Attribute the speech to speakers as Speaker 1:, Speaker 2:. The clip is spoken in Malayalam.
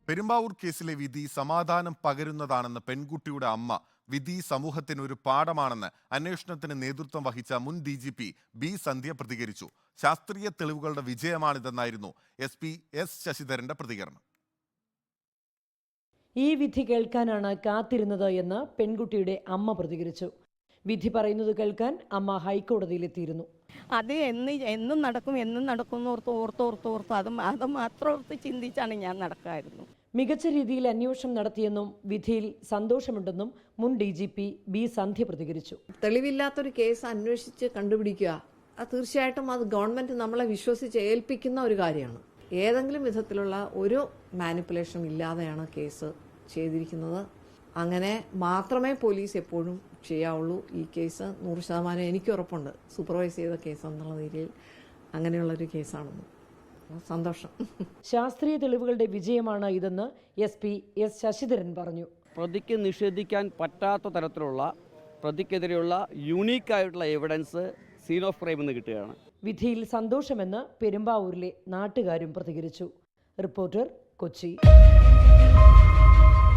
Speaker 1: പെരുമ്പാവൂർ കേസിലെ വിധി സമാധാനം പകരുന്നതാണെന്ന് പെൺകുട്ടിയുടെ അമ്മ. വിധി സമൂഹത്തിന് ഒരു പാഠമാണെന്ന് അന്വേഷണത്തിന് നേതൃത്വം വഹിച്ച മുൻ DGP ബി സന്ധ്യ പ്രതികരിച്ചു. ശാസ്ത്രീയ തെളിവുകളുടെ വിജയമാണിതെന്നായിരുന്നു SP എസ് ശശിധരന്റെ പ്രതികരണം.
Speaker 2: ഈ വിധി കേൾക്കാനാണ് കാത്തിരുന്നത് എന്ന് പെൺകുട്ടിയുടെ അമ്മ പ്രതികരിച്ചു. വിധി പറയുന്നത് കേൾക്കാൻ അമ്മ ഹൈക്കോടതിയിലെത്തിയിരുന്നു.
Speaker 3: അത് എന്നും നടക്കും ഓർത്തോർത്ത് അത് മാത്രം ഓർത്ത് ചിന്തിച്ചാണ് ഞാൻ നടക്കായിരുന്നു.
Speaker 2: മികച്ച രീതിയിൽ അന്വേഷണം നടത്തിയെന്നും വിധിയിൽ സന്തോഷമുണ്ടെന്നും മുൻ DGP ബി സന്ധ്യ പ്രതികരിച്ചു.
Speaker 4: തെളിവില്ലാത്തൊരു കേസ് അന്വേഷിച്ച് കണ്ടുപിടിക്കുക, അത് തീർച്ചയായിട്ടും അത് ഗവൺമെന്റ് നമ്മളെ വിശ്വസിച്ച് ഏൽപ്പിക്കുന്ന ഒരു കാര്യമാണ്. ഏതെങ്കിലും വിധത്തിലുള്ള ഒരു മാനിപ്പുലേഷൻ ഇല്ലാതെയാണ് കേസ് ചെയ്തിരിക്കുന്നത്. അങ്ങനെ മാത്രമേ പോലീസ് എപ്പോഴും ചെയ്യാവുള്ളൂ. ഈ കേസ് 100% എനിക്ക് ഉറപ്പുണ്ട്, സൂപ്പർവൈസ് ചെയ്ത കേസ് എന്നുള്ള രീതിയിൽ അങ്ങനെയുള്ളൊരു കേസാണെന്ന്. സന്തോഷം.
Speaker 2: ശാസ്ത്രീയ തെളിവുകളുടെ വിജയമാണ് ഇതെന്ന് SP എസ് ശശിധരൻ പറഞ്ഞു.
Speaker 5: പ്രതിക്ക് നിഷേധിക്കാൻ പറ്റാത്ത തരത്തിലുള്ള പ്രതിക്കെതിരെയുള്ള യൂണീക്കായിട്ടുള്ള എവിഡൻസ് സീൻ ഓഫ് ക്രൈം എന്ന് കിട്ടുകയാണ്.
Speaker 2: വിധിയിൽ സന്തോഷമെന്ന് പെരുമ്പാവൂരിലെ നാട്ടുകാരും പ്രതികരിച്ചു. റിപ്പോർട്ടർ, കൊച്ചി.